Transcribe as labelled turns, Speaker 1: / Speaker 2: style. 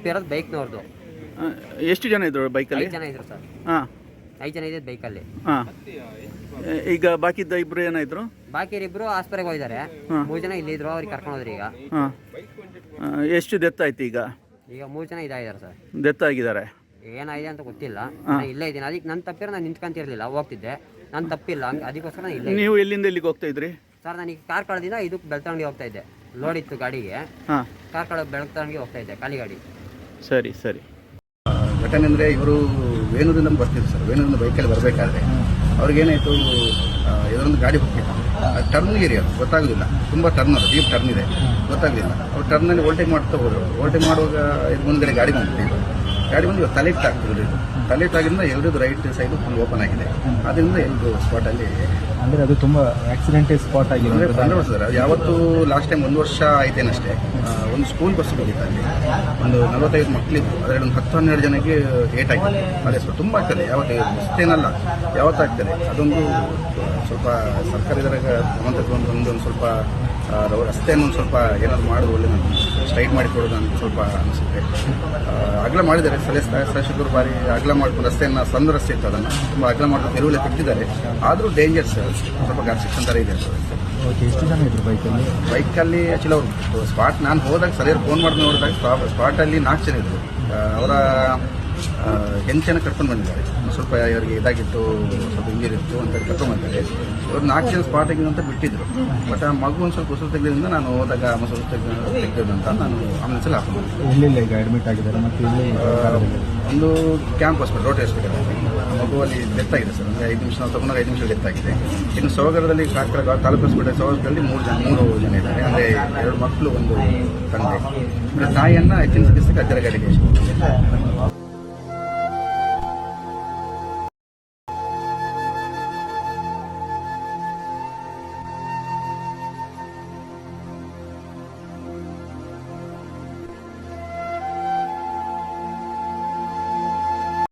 Speaker 1: ತಪ್ಪಿರೋದು ಬೈಕ್ನವ್ರದ್ದು.
Speaker 2: ಎಷ್ಟು ಜನ ಇದ್ರು ಬೈಕಲ್ಲಿ?
Speaker 1: 5 ಜನ ಇದ್ರು ಸರ್.
Speaker 2: ಹಾಂ,
Speaker 1: 5 ಜನ ಇದ್ದಿದ್ದು ಬೈಕಲ್ಲಿ.
Speaker 2: ಹಾಂ. ಈಗ ಬಾಕಿದ್ದ ಇಬ್ಬರು ಏನಾಯಿದ್ರು?
Speaker 1: ಬಾಕಿಯರಿಬ್ಬರು ಆಸ್ಪತ್ರೆಗೆ ಹೋಗಿದ್ದಾರೆ. 3 ಜನ ಇಲ್ಲಿದ್ರು, ಅವ್ರಿಗೆ ಕರ್ಕೊಂಡು ಹೋದ್ರಿ ಈಗ.
Speaker 2: ಹಾಂ. ಎಷ್ಟು ಡೆತ್ ಆಯ್ತು ಈಗ?
Speaker 1: 3 ಜನ ಇದಾಗಿದ್ದಾರೆ ಸರ್.
Speaker 2: ಡೆತ್ ಆಗಿದ್ದಾರೆ.
Speaker 1: ಏನಾಗಿದೆ ಅಂತ ಗೊತ್ತಿಲ್ಲ. ನಾನು ಇಲ್ಲೇ ಇದ್ದೀನಿ. ಅದಕ್ಕೆ ನನ್ನ ತಪ್ಪಿರೋ ನಾನು ನಿಂತ್ಕೊಂತಿರ್ಲಿಲ್ಲ, ಹೋಗ್ತಿದ್ದೆ. ನನ್ನ ತಪ್ಪಿಲ್ಲ, ಅದಕ್ಕೋಸ್ಕರ ನಾನು ಇಲ್ಲೇ.
Speaker 2: ನೀವು ಎಲ್ಲಿಂದ ಎಲ್ಲಿಗೆ ಹೋಗ್ತಾ ಇದ್ರಿ
Speaker 1: ಸರ್? ನನಗೆ ಕಾರ್ಕಳದಿಂದ ಇದಕ್ಕೆ ಬೆಳ್ತಂಗಡಿ ಹೋಗ್ತಾ ಇದ್ದೆ. ಲೋಡ್ ಇತ್ತು ಗಾಡಿಗೆ. ಹಾಂ, ಕಾರ್ಕಳ ಬೆಳ್ತಂಗಡಿ ಹೋಗ್ತಾ ಇದ್ದೆ, ಖಾಲಿ ಗಾಡಿ.
Speaker 2: ಸರಿ ಸರಿ.
Speaker 3: ಘಟನೆ ಅಂದರೆ ಇವರು ವೇಣೂರಿಂದ ಬರ್ತಿದ್ರು ಸರ್. ವೇಣೂರಿಂದ ಬೈಕಲ್ಲಿ ಬರಬೇಕಾದ್ರೆ ಅವ್ರಿಗೇನಾಯಿತು, ಇದರೊಂದು ಗಾಡಿ ಹೋಗ್ತಿತ್ತು. ಟರ್ನ್ ಏರಿಯಾ ಗೊತ್ತಾಗೋದಿಲ್ಲ, ತುಂಬ ಟರ್ನ್ ಅದು, ಡೀಪ್ ಟರ್ನ್ ಇದೆ, ಗೊತ್ತಾಗಲಿಲ್ಲ. ಅವ್ರು ಟರ್ನಲ್ಲಿ ಓಲ್ಟೇಜ್ ಮಾಡ್ತಾ ಹೋದ್ರು. ಓಲ್ಟೇಜ್ ಮಾಡುವಾಗ ಇದು ಮುಂದ್ಗಡೆ ಗಾಡಿ ಬಂದ್ಬಿಟ್ಟು ಗಾಡಿ ಬಂದು ಇವಾಗ ತಲೆಟ್ ಆಗ್ತಿದ್ರು. ಇದು ತಲೆಟ್ ಆಗಿಂದ ಎಲ್ಲರದ್ದು ರೈಟ್ ಸೈಡು ಫುಲ್ ಓಪನ್ ಆಗಿದೆ. ಅದರಿಂದ ಎಲ್ಲರೂ ಸ್ಪಾಟಲ್ಲಿ,
Speaker 4: ಅಂದರೆ ಅದು ತುಂಬ ಆಕ್ಸಿಡೆಂಟ್ ಸ್ಪಾಟ್ ಆಗಿದೆ.
Speaker 3: ಅಂದರೆ 15 ವರ್ಷ ಸರ್. ಅದು ಯಾವತ್ತು ಲಾಸ್ಟ್ ಟೈಮ್ 1 ವರ್ಷ ಆಯ್ತೇನಷ್ಟೇ. ಒಂದು ಸ್ಕೂಲ್ ಬಸ್ ಹೋಗಿತ್ತು ಅಲ್ಲಿ, ಒಂದು 45 ಮಕ್ಕಳಿದ್ದು, ಅದರಲ್ಲಿ ಒಂದು 10-12 ಜನಕ್ಕೆ ಏಟ್ ಆಗಿದೆ. ಅದೇ ಸ್ವಲ್ಪ ತುಂಬ ಆಗ್ತದೆ, ಯಾವತ್ತು ಅಷ್ಟೇನಲ್ಲ, ಯಾವತ್ತಾಗ್ತದೆ. ಅದೊಂದು ಸ್ವಲ್ಪ ಸರ್ಕಾರ ಇದರಾಗ ಗಮನ ತಗೊಂಡು ಒಂದು ಸ್ವಲ್ಪ ರಸ್ತೆಯನ್ನು ಒಂದು ಸ್ವಲ್ಪ ಏನಾದ್ರು ಮಾಡೋದು ಒಳ್ಳೆ, ಸ್ಟ್ರೈಟ್ ಮಾಡಿಕೊಡೋದು ಅಂತ ಸ್ವಲ್ಪ ಅನಿಸುತ್ತೆ. ಅಗಲ ಮಾಡಿದ್ದಾರೆ, ಶಾಸಕರು ಬಾರಿ ಅಗಲ ಮಾಡ್ಕೊಂಡು ರಸ್ತೆಯನ್ನು, ಸಣ್ಣ ರಸ್ತೆ ಇತ್ತು, ಅದನ್ನು ತುಂಬ ಅಗಲ ಮಾಡ್ಕೊಂಡು ತೆರವುಲೆ ತೆಗೆದಿದ್ದಾರೆ. ಆದರೂ ಡೇಂಜರ್ಸ್, ಸ್ವಲ್ಪ ಗಾರ್ಸಿಕ್ಷನ್ ಥರ ಇದೆ.
Speaker 4: ಎಷ್ಟು ಜನ ಇದ್ರು ಬೈಕಲ್ಲಿ?
Speaker 3: ಬೈಕಲ್ಲಿ ಆ್ಯಕ್ಚುಲಿ ಅವರು ಸ್ಪಾಟ್, ನಾನು ಹೋದಾಗ ಸರಿಯಾಗಿ ಫೋನ್ ಮಾಡಿ ನೋಡಿದಾಗ ಸ್ಪಾಟಲ್ಲಿ 4 ಜನ ಇದ್ದರು. ಅವರ ಹೆಂಚನ ಕರ್ಕೊಂಡು ಬಂದಿದ್ದಾರೆ. ಸ್ವಲ್ಪ ಇವರಿಗೆ ಇದಾಗಿತ್ತು, ಸ್ವಲ್ಪ ಇಂಜರಿ ಇತ್ತು ಅಂತ ಕರ್ಕೊಂಡು ಬಂದಿದ್ದಾರೆ. ಇವರು 4 ಜನ ಸ್ಪಾಟಿಗೆ ಅಂತ ಬಿಟ್ಟಿದ್ರು. ಬಟ್ ಆ ಮಗು ಒಂದು ಸ್ವಲ್ಪ ಉಸಿರು ತೆಗೆದ್ರಿಂದ ನಾನು ಹೋದಾಗ ಉಸಿರು ತೆಗೆದು ಅಂತ ನಾನು ಆಂಬುಲೆನ್ಸಲ್ಲಿ ಹಾಕೊಂಡು
Speaker 4: ಎಲ್ಲೆಲ್ಲ ಈಗ ಅಡ್ಮಿಟ್ ಆಗಿದ್ದಾರೆ? ಮತ್ತು
Speaker 3: ಒಂದು ಕ್ಯಾಂಪ್ ಹಾಸ್ಪಿಟಲ್, ರೋಟರಿ ಹಾಸ್ಪಿಟಲ್. ಮಗುವಲ್ಲಿ ಡೆತ್ ಆಗಿದೆ ಸರ್. ಅಂದರೆ 5 ನಿಮಿಷ ನಾವು ತಗೊಂಡಾಗ 5 ನಿಮಿಷ ಡೆತ್ ಆಗಿದೆ. ಇನ್ನು ಸೋಗರದಲ್ಲಿ ಕಾರ್ಕಳ ತಾಲೂಕು ಹಾಸ್ಪಿಟಲ್ ಸೋಗರದಲ್ಲಿ 3 ಜನ ಇದ್ದಾರೆ. ಅಂದರೆ 2 ಮಕ್ಕಳು, ಒಂದು ತಂದೆ. ತಾಯಿಯನ್ನು ಹೆಚ್ಚಿನ ಚಿಕಿತ್ಸೆಗೆ ಅಜ್ಜರ ಗಾಡಿಗೆ